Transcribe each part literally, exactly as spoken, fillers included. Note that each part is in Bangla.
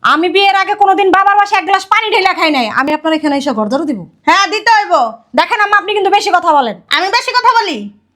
আমি বিয়ের আগে কোনোদিন বাবার বাসায় এক গ্লাস পানি ঢেলা খাই নাই। আমি আপনার এখানে এসে ঘর ধরে দিব? হ্যাঁ দিতে হইব। দেখেন আম্মা, আপনি কিন্তু বেশি কথা বলেন। আমি বেশি কথা বলি?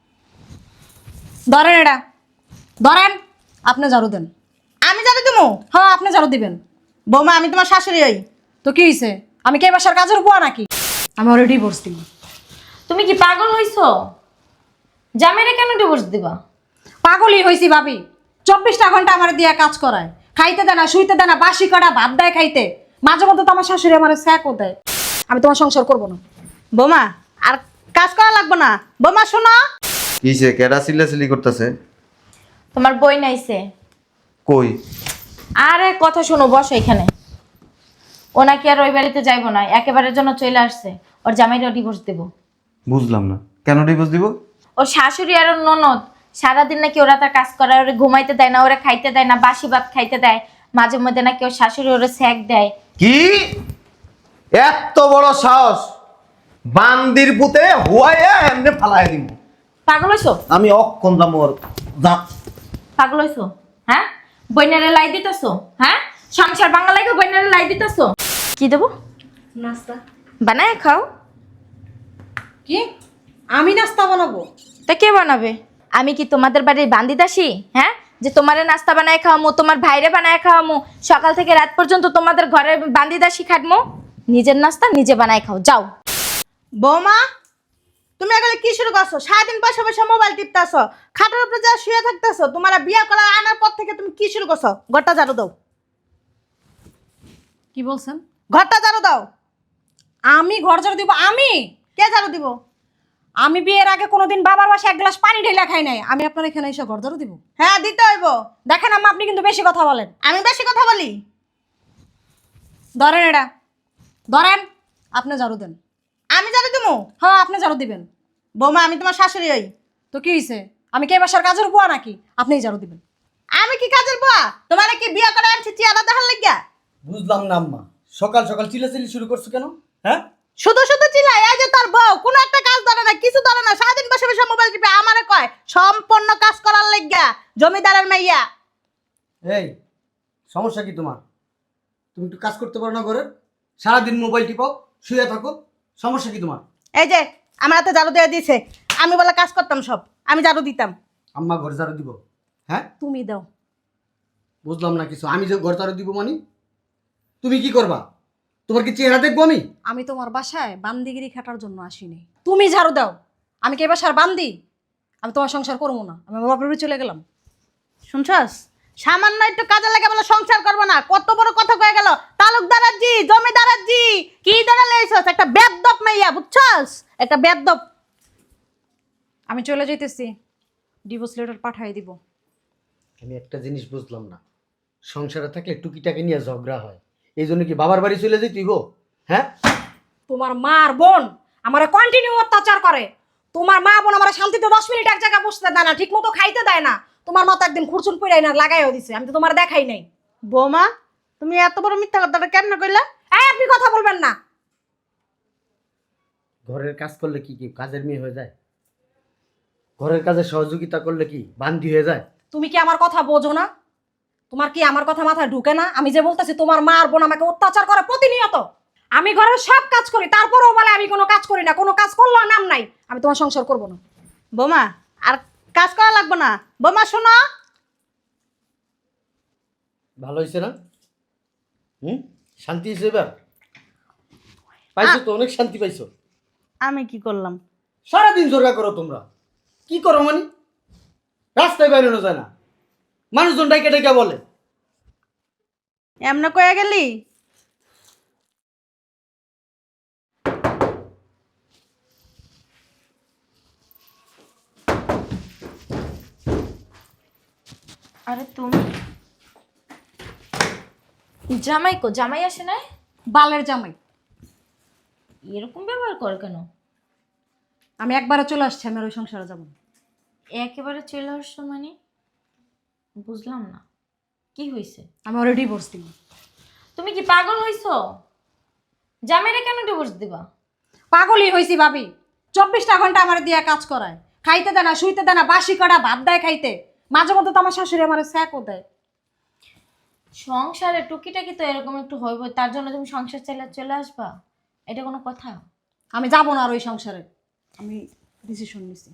ধরেন এটা, ধরেন। আপনি ঝাড়ু দেন। আমি জানি তুমি? হ্যাঁ, আপনি ঝাড়ু দিবেন। বৌমা আমি তোমার শাশুড়ি হই। তো কি হয়েছে? আমি কে বাসার কাজের বুয়া নাকি? আমি অলরেডি ডিভোর্স দিব। তুমি কি পাগল হইছো? জামাইরে কেন ডিভোর্স দিবা? পাগলই হয়েছি ভাবি। চব্বিশটা ঘন্টা আমার দিয়ে কাজ করায়, খাইতে দেয় না, শুইতে দেয় না, বাসি কটা ভাত দেয় খাইতে। মাঝে মধ্যে তো আমার শাশুড়ি আমার স্যাকও দেয়। আমি তোমার সংসার করবো না। বৌমা আর কাজ করা লাগবে না। বৌমা শোনো। কিসে কেডা চিল্লাচিল্লি করতেছে? তোমার বই নাইছে। কই? আরে কথা শোনো, বসো এখানে। ও নাকি আর ওই বাড়িতে যাইবো না, একেবারের জন্য চলে আসছে। ওর জামাইরা ডিভোর্স দেব। বুঝলাম না, কেন ডিভোর্স দিব? ওর শাশুড়ি আর ওর ননদ সারাদিন নাকি ওরা তার কাজ করে, ওরা ঘুমাইতে দেয় না, ওরা খাইতে দেয় না, বাসি ভাত খাইতে দেয়। মাঝে মধ্যে নাকি ওর শাশুড়ি ওরা স্যাক দেয়। কি এত বড় সাহস! বান্দির পুতে হুয়াইয়া এমনি ফালাই দিব। পাগল হইছো? আমি অক্ষণ যাবো ওর যা। পাগল হইছো? হ্যাঁ, বইনারে লাই দিতেছো? হ্যাঁ, সংসার বাংলা লাগে বইনারে লাই দিতেছো? কি দেবো? নাস্তা বানায় খাও। কি? আমি নাস্তা বানাবো? তা কে বানাবে? আমি কি তোমাদের বাড়ির বান্দি দাসী? হ্যাঁ, যে তোমারে নাস্তা বানায় খাওয়ামো, তোমার ভাইরে বানায় খাওয়ামো, সকাল থেকে রাত পর্যন্ত তোমাদের ঘরে বান্দি দাসী খাটমো? নিজের নাস্তা নিজে বানায় খাও, যাও। বৌমা তুমি এগুলো কি শুরু করছো? সারাদিন বসে বসে মোবাইল টিপতেছো, খাটের উপরে যা শুয়ে থাকতেছো। তোমার বিয়ে করা আনার পর থেকে তুমি কি শুরু করছো? ঘরটা ঝাড়ু দাও। কি বলছেন? ঘরটা ঝাড়ু দাও। আমি ঘর ঝাড়ু দিব? আমি? কে ঝাড়ু দিব? আমি বিয়ের আগে কোনোদিন বাবার বাসায় এক গ্লাস পানি ঢেলা খাই নাই। আমি আপনার এখানে এসে ঘর ধরে দিব? হ্যাঁ দিতে হইব। দেখেন আম্মা, আপনি কিন্তু বেশি কথা বলেন। আমি বেশি কথা বলি? ধরেন এটা, ধরেন। আপনি ঝাড়ু দেন। আমি জানি তুমি? হ্যাঁ, আপনি ঝাড়ু দিবেন। বৌমা আমি তোমার শাশুড়ি হই। তো কি হয়েছে? আমি কে বাসার কাজের বুয়া নাকি? আপনিই ঝাড়ু দিবেন। আমি কি কাজের বুয়া? তোমার কি বিয়ে করে আনছি চেহারা দেখার লাগিয়া? বুঝলাম না আম্মা, সকাল সকাল চিল্লাচিল্লি শুরু করছো কেন? হ্যাঁ, শুধু শুধু চিল্লাই। এই যে তোর বউ কোনো একটা কাজ ধরে না, কিছু ধরে না, সারাদিন বসে বসে মোবাইল টিপে। আমারে কয় সম্পূর্ণ কাজ করার লাগিয়া, জমিদারের মাইয়া। এই সমস্যা কি তোমার? তুমি একটু কাজ করতে পারো না ঘরে? সারাদিন মোবাইল টিপাও, শুয়ে থাকো, সমস্যা কি তোমার? এই যে আমার হাতে ঝাড়ু দিয়ে দিয়েছে, আমি বলে কাজ করতাম সব, আমি ঝাড়ু দিতাম। আম্মা ঘর ঝাড়ু দিব? হ্যাঁ, তুমি দাও। বুঝলাম না কিছু। আমি যে ঘর ঝাড়ু দিব মানে তুমি কি করবা? তোমার কি চেহারা দেখবো আমি? আমি তোমার বাসায় বান্দিগিরি খাটার জন্য আসিনি। তুমি ঝাড়ু দাও। আমি কে বাসার বান্দি? আমি তোমার সংসার করবো না। আমি আমার বাপের বাড়ি চলে গেলাম। শুনছস? সামান্য একটু কাজে লাগে বলে সংসার করবো না, কত বড় কথা কয়ে গেল। তালুকদারের জি, জমিদারের জি, কি ধরে লইছস? একটা বেদব মাইয়া, বুঝছস? একটা বেদব। আমি চলে যাইতেছি, ডিভোর্স লেটার পাঠিয়ে দিব। আমি একটা জিনিস বুঝলাম না, সংসারে থাকলে টুকিটাকে নিয়ে ঝগড়া হয়, এই জন্য কি বাবার বাড়ি চলে যেতেই গো? হ্যাঁ, তোমার মা আর বোন আমার কন্টিনিউ অত্যাচার করে। তোমার মা বোন আমার শান্তিতে দশ মিনিট এক জায়গায় বসতে দেয় না, ঠিক মতো খাইতে দেয় না। তোমার মা তো একদিন খুরচুন পড়াই না লাগাইও দিছে, আমি তো তোমার দেখাই নাই। বৌমা তুমি এত বড় মিথ্যা কথাটা কেমনে কইলা? এই, আপনি কথা বলবেন না। ঘরের কাজ করলে কি কি কাজের মেয়ে হয়ে যায়? ঘরের কাজে সহযোগিতা করলে কি বান্দি হয়ে যায়? তুমি কি আমার কথা বোঝো না? তোমার কি আমার কথা মাথায় ঢুকে না? আমি যে বলতেছি তোমার মা আর বোন আমাকে অত্যাচার করে প্রতিনিয়ত। আমি ঘরের সব কাজ করি, তারপরেও বলে আমি কোনো কাজ করি না। কোনো কাজ করলেও নাম নাই। আমি তোমার সংসার করবো না। বৌমা আর কাজ করা লাগবে না। বৌমা শোনো। ভালো হয়েছে না? হুম, শান্তি হয়েছে এবার? পাইছো তো, অনেক শান্তি পাইছো। আমি কি করলাম? সারাদিন জোরগা করো তোমরা। কি করো মানে? রাস্তায় বেরোনো যায় না, মানুষজন ডাইকে ডাইকা বলে। এমনে কয়ে গেলি? আরে তুমি জামাই কো? জামাই আসে নাই? বালের জামাই। এরকম ব্যবহার কর কেন? আমি একবারে চলে আসছি, আমি আর ওই সংসারে যাবো না। একেবারে চলে আসছো মানে? বুঝলাম না কি হয়েছে। আমি অলরেডি ডিভোর্স দিব। তুমি কি পাগল হইছো? জামাইরে কেন ডিভোর্স দিবা? পাগলই হয়েছি ভাবি। চব্বিশটা ঘন্টা আমার দিয়ে কাজ করায়, খাইতে দেয় না, শুইতে দেয় না, বাসি কটা ভাত দেয় খাইতে। মাঝে মধ্যে তো আমার শাশুড়ি আমার স্যাকও দেয়। সংসারে টুকিটাকি তো এরকম একটু হইব, তার জন্য তুমি সংসার চাইলে চলে আসবা? এটা কোনো কথা? আমি যাব না আর ওই সংসারে। আমি ডিসিশন নিছি,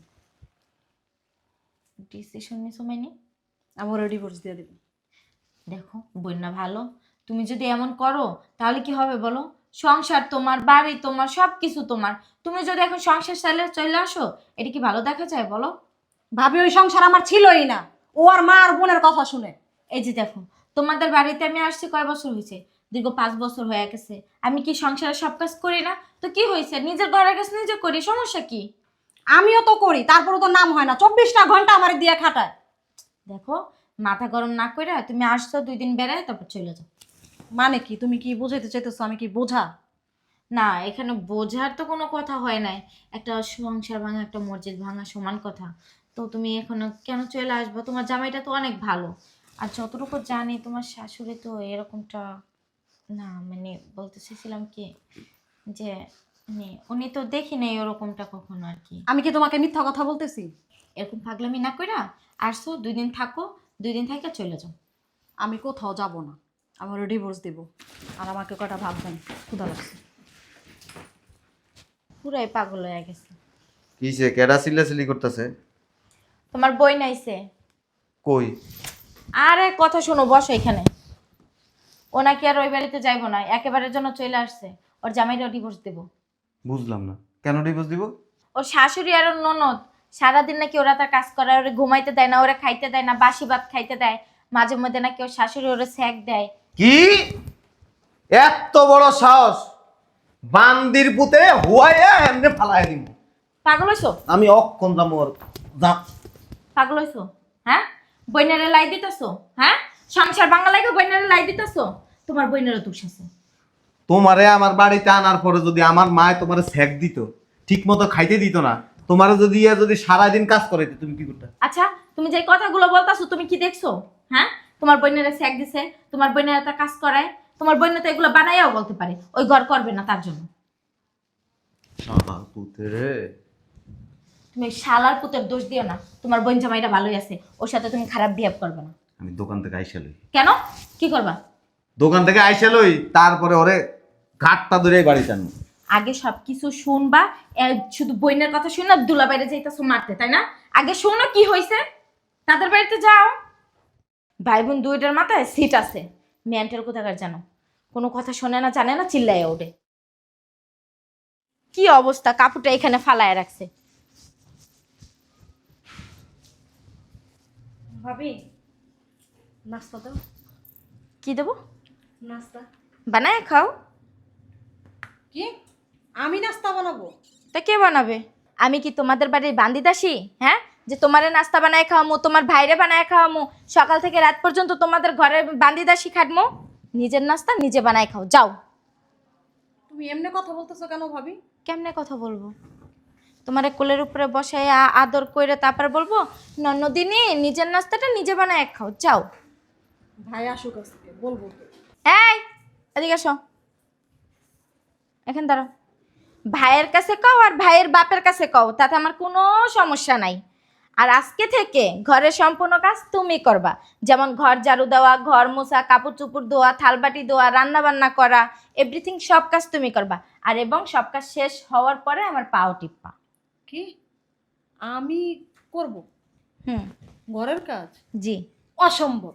ডিসিশন নিছো মানে? আমি ওরা ডিভোর্স দিয়ে দেবো। দেখো বন্যা ভালো, তুমি যদি এমন করো তাহলে কি হবে বলো? সংসার তোমার, বাড়ি তোমার, সব কিছু তোমার। তুমি যদি এখন সংসার চাইলে চলে আসো, এটা কি ভালো দেখা যায় বলো? ভাবি ওই সংসার আমার ছিলই না, ও আর মা আর বোনের কথা শুনে। এই যে দেখো, তোমাদের বাড়িতে আমি আসছি কয় বছর হয়েছে? দীর্ঘ পাঁচ বছর হয়ে গেছে। আমি কি সংসারে সব কাজ করি না? তো কি হয়েছে, নিজের ঘরের কাজ নিজে করি, সমস্যা কি? আমিও তো করি, তারপরে তো নাম হয় না, চব্বিশটা ঘন্টা আমার দিয়ে খাটায়। দেখো, মাথা গরম না করে তুমি আসছো দুই দিন বেড়ায় তারপর চলে যাও। মানে কি, তুমি কি বুঝাইতে চাইতেছো আমি কি বোঝা? না, এখানে বোঝার তো কোনো কথা হয় নাই। একটা সংসার ভাঙা একটা মসজিদ ভাঙা সমান কথা। তো তুমি এখন কেন চলে আসবো? তোমার জামাইটা তো অনেক ভালো। আর যতটুকু জানি তোমার শাশুড়ি তো এরকমটা না, মানে বলতে চাইছিলাম কি যে মানে উনি তো দেখি নাই ওরকমটা কখনো আর কি। আমি কি তোমাকে মিথ্যা কথা বলতেছি? এরকম পাগলামি না কইরা আসছো, দুই দিন থাকো, দুই দিন থেকে চলে যাও। আমি কোথাও যাব না, আমি ওরা ডিভোর্স দিব। আর আমাকে কটা ভাববেন, ক্ষুধা লাগছে। পুরাই পাগল হয়ে গেছে। কিসে কেডা চিল্লাচিল্লি করতেছে? তোমার বই নাইছে? কই? আরে কথা শোনো, বসো এখানে। ও নাকি আর ওই বাড়িতে যাইবো না, একেবারের জন্য চলে আসছে। ওর জামাইরা ডিভোর্স দেব। বুঝলাম না, কেন ডিভোর্স দিব? ওর শাশুড়ি আর ওর ননদ সারাদিন নাকি ওরা তার কাজ করে, ওরে ঘুমাইতে দেয় না, ওরা খাইতে দেয় না, বাসি ভাত খাইতে দেয়। মাঝে মধ্যে নাকি ওর শাশুড়ি ওরে স্যাক দেয়। কি এত বড় সাহস! বান্দির পুতে হুয়াইয়া এমনি ফালাই দিব। পাগল হইছো? আমি অক্ষণ যাবো আর যা। পাগল হইছো? হ্যাঁ, বইনারে লাই দিতেছো? হ্যাঁ, সংসার বাংলা লাগে বইনারে লাই দিতেছো? তোমার বইনারও দোষ আছে। তোমারে আমার বাড়িতে আনার পরে যদি আমার মায় তোমারে স্যাক দিত, ঠিক মতো খাইতে দিত না, তোমারে যদি ইয়া যদি সারাদিন কাজ করাইতে, তুমি কি করতে? আচ্ছা, তুমি যে কথাগুলো বলতাছো তুমি কি দেখছো? হ্যাঁ, তোমার বইনারে স্যাক দিছে, তোমার বইনারে তার কাজ করায়, তোমার বইনা তো এগুলো বানাইয়াও বলতে পারে ওই ঘর করবে না তার জন্য। শালা পুতে রে। তুমি শালার পুতের দোষ দিও না, তোমার বোন জামাইটা ভালোই আছে, ওর সাথে তুমি খারাপ বিহেভ করবে না। আমি দোকান থেকে আইসা লই। কেন, কি করবা? দোকান থেকে আইসা লই, তারপরে ওরে ঘাটটা ধরে বাড়িতে আনবো। আগে সবকিছু শুনবা। এ, শুধু বইনের কথা শুনে দুলা বাইরে যাইতেছো মারতে, তাই না? আগে শোনো কি হয়েছে, তাদের বাড়িতে যাও। ভাই বোন দুইটার মাথায় সিট আছে, মেন্টাল কোথাকার জানো, কোনো কথা শোনে না, জানে না, চিল্লায় ওঠে। কি অবস্থা, কাপড়টা এখানে ফালায় রাখছে। ভাবি নাস্তা দাও। কি দেবো? নাস্তা? বানায় খাও। কি, আমি নাস্তা বানাবো? তা কে বানাবে? আমি কি তোমাদের বাড়ির বান্দিদাসী? হ্যাঁ, যে তোমারে নাস্তা বানায় খাওয়ামো, তোমার ভাইরে বানায় খাওয়ামো, সকাল থেকে রাত পর্যন্ত তোমাদের ঘরে বান্দিদাসী খাটমো? নিজের নাস্তা নিজে বানায় খাও, যাও। তুমি এমনি কথা বলতেছো কেন ভাবি? কেমনে কথা বলবো? তোমার কোলের উপরে বসায় আ- আদর করে তারপর বলবো নন্দিনী নিজের নাস্তাটা নিজে বানায় খাও, যাও। ভাই আসুক আজকে বলবো তো। এই এদিকে আসো, এখান দাঁড়াও। ভাইয়ের কাছে কও আর ভাইয়ের বাপের কাছে কও, তাতে আমার কোনো সমস্যা নাই। আর আজকে থেকে ঘরের সম্পূর্ণ কাজ তুমি করবা, যেমন ঘর ঝাড়ু দেওয়া, ঘর মোছা, কাপড় চুপড় ধোয়া, থালবাটি ধোয়া, রান্না বান্না করা, এভরিথিং সব কাজ তুমি করবা। আর এবং সব কাজ শেষ হওয়ার পরে আমার পাও টিপা। কি আমি করব হুম, ঘরের কাজ? জি। অসম্ভব।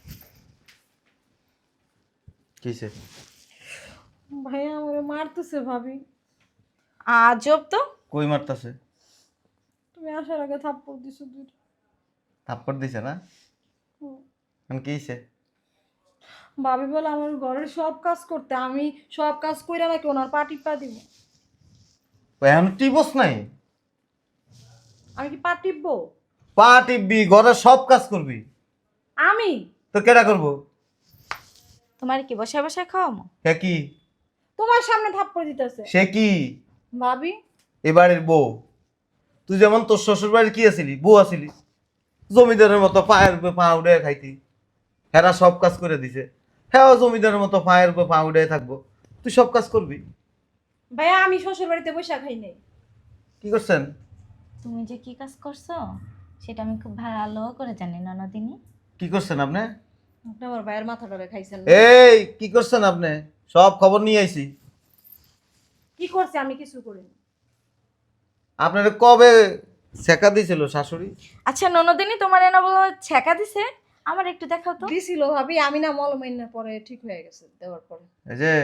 কিসে? ভাইয়া আমারে মারতেছে ভাবি। আজব তো। কই মারতাছে? তুমি আসার আগে থাপ্পড় দিছো দুইটা। থাপ্পড় দিছে না? হুম। আমি কি হইছে? ভাবি বলে আমার ঘরের সব কাজ করতে, আমি সব কাজ কইরা নাকি ওনার পা টিপা দিব। এখন টিপস নাই? আমি কি পা টিপবো? পা টিপবি, ঘরের সব কাজ করবি। আমি? তো কেডা করবো? তোমার কি বসায় বসায় খাওয়ামো? হে কি? তোমার সামনে থাপ্পড় দিতেছে। সে কি? ভাবি এবারের বউ। তুই যেমন তোর শ্বশুর বাড়ির কি আছিলি, বউ আছিলি, জমিদারের মতো পায়ের উপরে পা উঠে খাইতি। হেরা সব কাজ করে দিছে, হ্যাঁ জমিদারের মতো পায়ের উপরে পা উঠে থাকবো। তুই সব কাজ করবি। ভাইয়া আমি শ্বশুর বাড়িতে বসে খাই নাই। কি করছেন? তুমি যে কি কাজ করছো সেটা আমি খুব ভালো করে জানি ননদিনী। কি করছেন আপনি? আপনি আমার ভাইয়ের মাথাটা খাইছেন না? এই কি করছেন আপনি? সব খবর নিয়ে আইছি। কি করছে? আমি কিছু করিনি। আপনার কবে ছেকা দিছিল শাশুড়ি? আচ্ছা ননদিনী, তোমার এনা বলো ছেকা দিছে? আমার একটু দেখাও তো। দিছিল ভাবি, আমি না মলমাইনা পরে ঠিক হয়ে গেছে দেওয়ার পরে। এই যে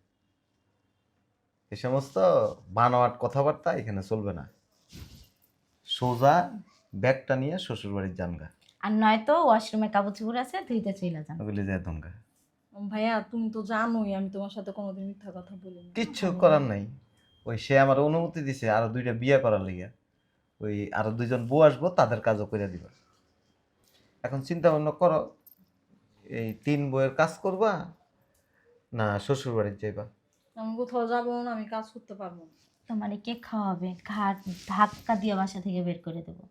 এই সমস্ত বানোয়াট কথাবার্তা এখানে চলবে না। সোজা ব্যাগটা নিয়ে শ্বশুর বাড়ির জানগা, আর নয়তো ওয়াশরুমে কাপড় চোপড় আছে, ধুইতে চইলা যান। ওগুলি যায় দঙ্গা। ভাইয়া তুমি তো জানোই আমি তোমার সাথে কোনোদিন মিথ্যা কথা বলিনি। কিচ্ছু করার নাই। ওই সে আমার অনুমতি দিছে আরো দুইটা বিয়ে করার লিগে। ওই আরো দুইজন বউ আসবো, তাদের কাজও করে দিবা। এখন চিন্তা ভাবনা করো, এই তিন বউয়ের কাজ করবা না শ্বশুর বাড়ির যাইবা? আমি কোথাও যাবো না, আমি কাজ করতে পারবো না। তোমার কে খাওয়াবে? ঘাট ধাক্কা দিয়ে বাসা থেকে বের করে দেবো।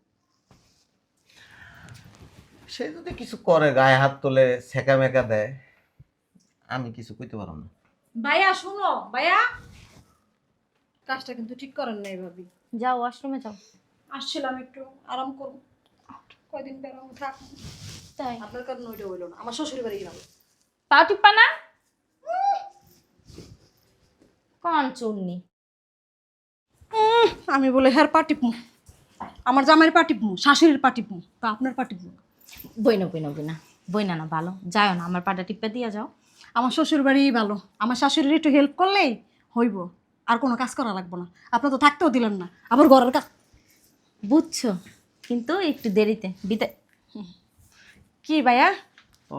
সে যদি কিছু করে, গায়ে হাত তোলে, সেকা মেকা দেয়, আমি কিছু কইতে পারবো না। ভাইয়া শুনো, ভাইয়া কাজটা কিন্তু ঠিক করেন নাই ভাবি। যাও ওয়াশরুমে যাও। আসছিলাম একটু আরাম করবো, কয়দিন বেড়াবো থাক। তাই আপনার কারণে ওইটা হইলো না, আমার শ্বশুর বাড়ি গেলাম। পাও টিপ্পা না কোন চুন্নি। আমি বলে হ্যার পাটিপু, আমার জামাইয়ের পাটিপু, শাশুড়ির পাটিপু, তা আপনার পাটিপু। বইনা বইনা বইনা বইনা না ভালো, যাও না, আমার পাটা টিপ্পা দিয়া যাও। আমার শ্বশুর বাড়ি ভালো, আমার শাশুড়ির একটু হেল্প করলেই হইব, আর কোনো কাজ করা লাগবে না। আপনার তো থাকতেও দিলেন না, আবার ঘরের কাজ। বুঝছো, কিন্তু একটু দেরিতে বিদায়। কি ভাইয়া? ও,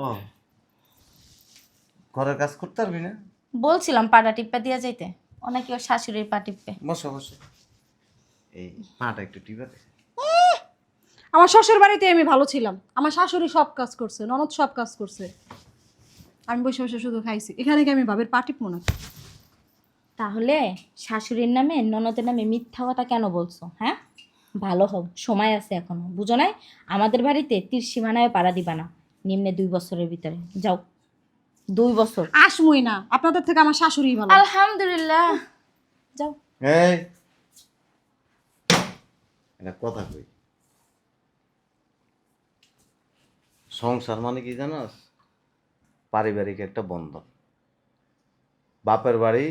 ঘরের কাজ করতে পারবি না? বলছিলাম পাটা টিপ্পা দিয়া যাইতে, ও নাকি ওর শাশুড়ির পা টিপ্পে। বসো বসো, এই পাটা একটু টিপে দে। আমার শ্বশুর বাড়িতে আমি ভালো ছিলাম, আমার শাশুড়ি সব কাজ করছে, ননদ সব কাজ করছে, আমি বসে বসে শুধু খাইছি। এখানে কি আমি ভাবের পাটিপু না? তাহলে শাশুড়ির নামে ননদের নামে মিথ্যা কথা কেন বলছো? হ্যাঁ, ভালো হোক, সময় আছে এখনো, বুঝো নাই? আমাদের বাড়িতে তীর সীমানায় পাড়া দিবা না নিম্নে দুই বছরের ভিতরে। যাও, দুই বছর। আসমই না, আপনাদের থেকে আমার শাশুড়ি ভালো। আলহামদুলিল্লাহ, যাও। এই এটা কথা কই, সংসার মানে কি জানাস? পারিবারিক একটা বন্ধন। বাপের বাড়ি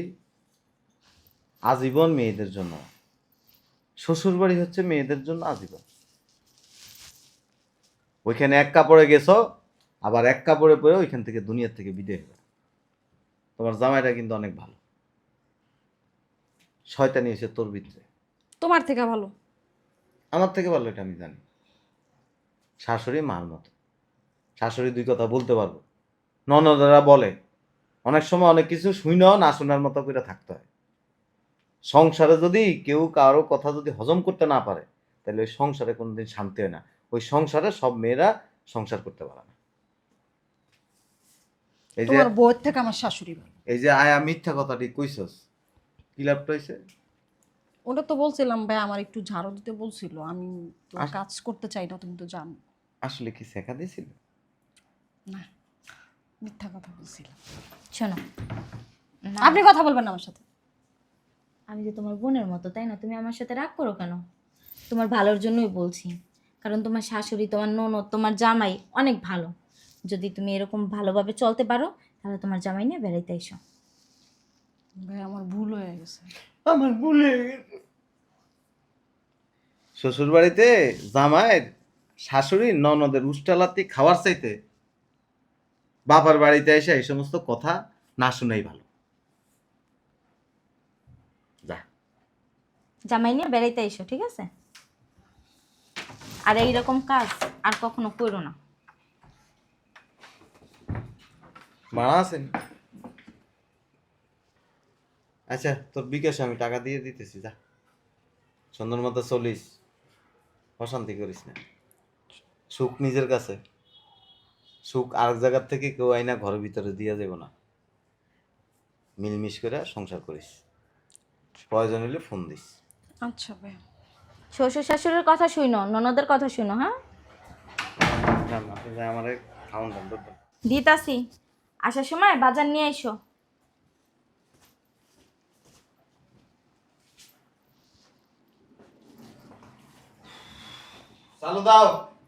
আজীবন মেয়েদের জন্য, শ্বশুর বাড়ি হচ্ছে মেয়েদের জন্য আজীবন। ওইখানে এক কাপড়ে গেছো, আবার এক কাপড়ে পরে ওইখান থেকে দুনিয়ার থেকে বিদায় হবে। তোমার জামাইটা কিন্তু অনেক ভালো, শয়তানি এসে তোর ভিতরে। তোমার থেকে ভালো? আমার থেকে ভালো এটা আমি জানি। শাশুড়ি মার মতো, শাশুড়ি দুই কথা বলতে পারবো। ননদেরা বলে অনেক সময় অনেক কিছু শুনেও না শোনার মতো করে থাকতে হয়। সংসারে যদি কেউ কারো কথা যদি হজম করতে না পারে, তাহলে ওই সংসারে কোনোদিন শান্তি হয় না। ওই সংসারে সব মেয়েরা সংসার করতে পারে না। এই যে তোমার বউয়ের থেকে আমার শাশুড়ি ভালো। এই যে আয়া মিথ্যা কথাটি কইছস, কি লাভটা হয়েছে? ওটা তো বলছিলাম ভাই, আমার একটু ঝাড়ু দিতে বলছিল, আমি তো আস- কাজ করতে চাই না, তুমি তো জানো। আসলে কি শেখা দিয়েছিল? না, মিথ্যা কথা বলছিলাম। শোনো না, আপনি কথা বলবেন না আমার সাথে। আমি যে তোমার বোনের মতো, তাই না? তুমি আমার সাথে রাগ করো কেন? তোমার ভালোর জন্যই বলছি, কারণ তোমার শাশুড়ি, তোমার ননদ, তোমার জামাই অনেক ভালো। যদি তুমি এরকম ভালোভাবে চলতে পারো, তাহলে তোমার জামাই নিয়ে বেড়াইতে এসো। ভাই আমার ভুল হয়ে গেছে। আমার ভুলে শ্বশুর বাড়িতে জামাইয়ের শাশুড়ির ননদের উষ্টালাতি খাওয়ার চাইতে বাবার বাড়িতে এসে এই সমস্ত কথা না শুনেই ভালো। যা, জামাই নিয়ে বেড়াইতে এসো, ঠিক আছে? আর এইরকম কাজ আর কখনো করো না। মারা আছেন? আচ্ছা, তোর বিকাশে আমি টাকা দিয়ে দিতেছি, যা সুন্দর মতো চলিস, অশান্তি করিস না। সুখ নিজের কাছে, সুখ আরেক জায়গার থেকে কেউ আইনা ঘরের ভিতরে দিয়ে যাব না। মিলমিশ করে সংসার করিস, প্রয়োজন হলে ফোন দিস। আচ্ছা ভাই। শ্বশুর শাশুড়ির কথা শুনো, ননদের কথা শুনো। হ্যাঁ, আমার খাওয়ান দাম দরকার। দিতাছি, আসার সময় বাজার নিয়ে এসো। চালু দাও।